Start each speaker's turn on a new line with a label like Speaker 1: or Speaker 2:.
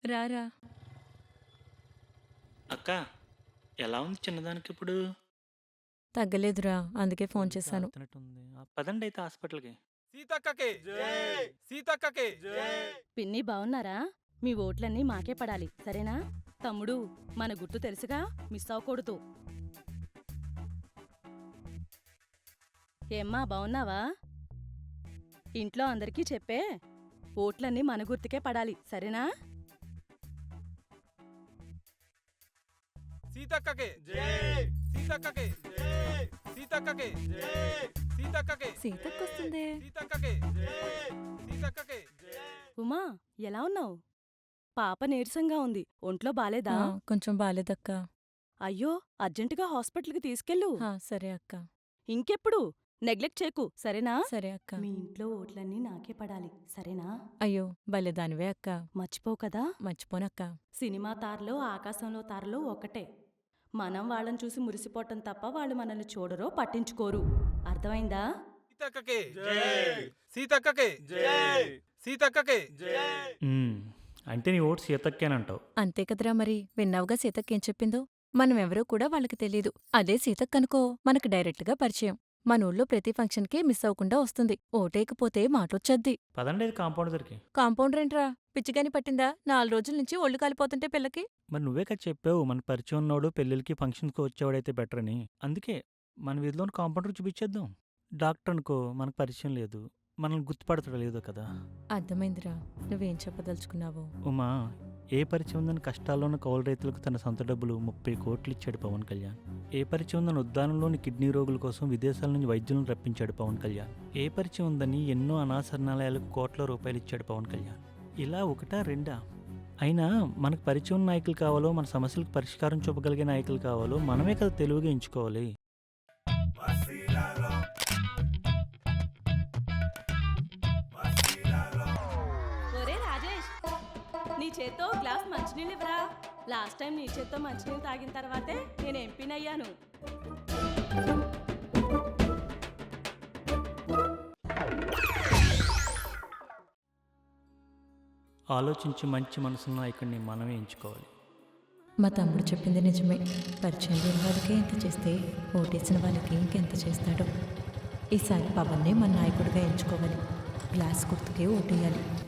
Speaker 1: రారా.
Speaker 2: అక్క ఎలా ఉంది చిన్నదానికి ఇప్పుడు?
Speaker 1: తగ్గలేదురా, అందుకే ఫోన్
Speaker 2: గొంతు
Speaker 1: చేశాను.
Speaker 2: ఆడుతున్నట్టుంది. పదండి అయితే హాస్పిటల్కి.
Speaker 3: సీతక్కకి సీతక్కకి
Speaker 4: పిన్ని బావున్నారా? మీ ఓట్లన్నీ మాకే పడాలి సరేనా? తమ్ముడు, మన గుర్తు తెలుసుగా, మిస్ అవ్వకూడదు. ఏమ్మా బావున్నావా? ఇంట్లో అందరికీ చెప్పే, ఓట్లన్నీ మన గుర్తుకే పడాలి సరేనా?
Speaker 3: సీతక్కకి సీతక్కకి సీతక్కకి సీతక్కకి
Speaker 1: సీతక్కొస్తుందే.
Speaker 3: సీతక్కకి సీతక్కకి
Speaker 4: ఉమా, ఎలా ఉన్నావు? పాప నీరసంగా ఉంది, ఒంట్లో బాలేదా?
Speaker 1: కొంచెం బాలేదక్క.
Speaker 4: అయ్యో, అర్జెంటుగా హాస్పిటల్కి తీసుకెళ్ళు.
Speaker 1: సరే అక్క.
Speaker 4: ఇంకెప్పుడు నెగ్లెక్ట్ చేయకు సరేనా?
Speaker 1: సరే అక్క.
Speaker 4: మీ ఇంట్లో ఓట్లన్నీ నాకే పడాలి సరేనా?
Speaker 1: అయ్యో భలేదానివే అక్క.
Speaker 4: మర్చిపోవు కదా?
Speaker 1: మర్చిపోనక్క.
Speaker 4: సినిమా తారలో ఆకాశంలో తారలో ఒకటే. మనం వాళ్ళని చూసి మురిసిపోవటం తప్ప వాళ్ళు మనల్ని చూడరో పట్టించుకోరు. అర్థమైందా?
Speaker 3: సీతక్కకి సీతక్కకి సీతక్కకి
Speaker 2: ఉమ్, అంటే నీ ఓటు సీతక్కేనంటావు.
Speaker 1: అంతే కదరా మరి. విన్నావుగా సీతక్కేం చెప్పిందో. మనమెవరో కూడా వాళ్ళకి తెలీదు. అదే సీతక్కనుకో మనకు డైరెక్ట్గా పరిచయం. మన ఊళ్ళో ప్రతి ఫంక్షన్కి మిస్ అవ్వకుండా వస్తుంది. ఓటేయకపోతే మాటొచ్చద్ది.
Speaker 2: పదండి అయితే కాంపౌండ్ దగ్గరికి.
Speaker 1: కాంపౌండరేంట్రా, పిచ్చిగాని పట్టిందా? 4 రోజుల నుంచి ఒళ్ళు కాలిపోతుంటే పిల్లకి.
Speaker 2: మరి నువ్వే కదా చెప్పావు మన పరిచయం ఉన్నోడు పెళ్ళిళ్ళకి ఫంక్షన్స్కి వచ్చేవాడైతే బెటర్ అని. అందుకే మన వీధిలోని కాంపౌండర్ చూపించేద్దాం. డాక్టర్ అనుకో మనకు పరిచయం లేదు, మనల్ని గుర్తుపడతాడు లేదో కదా.
Speaker 1: అర్థమైందిరా, నువ్వేం చెప్పదలుచుకున్నావో.
Speaker 2: ఉమా, ఏ పరిచయం ఉందని కష్టాల్లో ఉన్న కౌలు రైతులకు తన సొంత డబ్బులు 30 కోట్లు ఇచ్చాడు పవన్ కళ్యాణ్. ఏ పరిచయం ఉందని ఉద్దానంలోని కిడ్నీ రోగుల కోసం విదేశాల నుంచి వైద్యులను రప్పించాడు పవన్ కళ్యాణ్. ఏ పరిచయం ఉందని ఎన్నో అనాశరణాలయాలకు కోట్ల రూపాయలు ఇచ్చాడు పవన్ కళ్యాణ్. ఇలా ఒకటా రెండా? అయినా మనకు పరిచయం ఉన్న నాయకులు కావాలో, మన సమస్యలకు పరిష్కారం చూపగలిగే నాయకులు కావాలో మనమే కదా తెలివిగా ఎంచుకోవాలి.
Speaker 4: ఒరే రాజేష్, నీ చేత్తో గ్లాస్ మంచినీళ్ళు ఇవ్వరా. లాస్ట్ టైం నీ చేత్తో మంచినీళ్ళు తాగిన తర్వాతే నేను ఎంపీనయ్యాను.
Speaker 2: ఆలోచించి మంచి మనసున్న నాయకుడిని మనమే ఎంచుకోవాలి.
Speaker 1: మా తమ్ముడు చెప్పింది నిజమే. పరిచయం లేని వాళ్ళకి ఎంత చేస్తే ఓటేసిన వాళ్ళకి ఇంకెంత చేస్తాడో. ఈసారి పవన్నే మన నాయకుడిగా ఎంచుకోవాలి. గ్లాస్ గుర్తుకే ఓటేయాలి.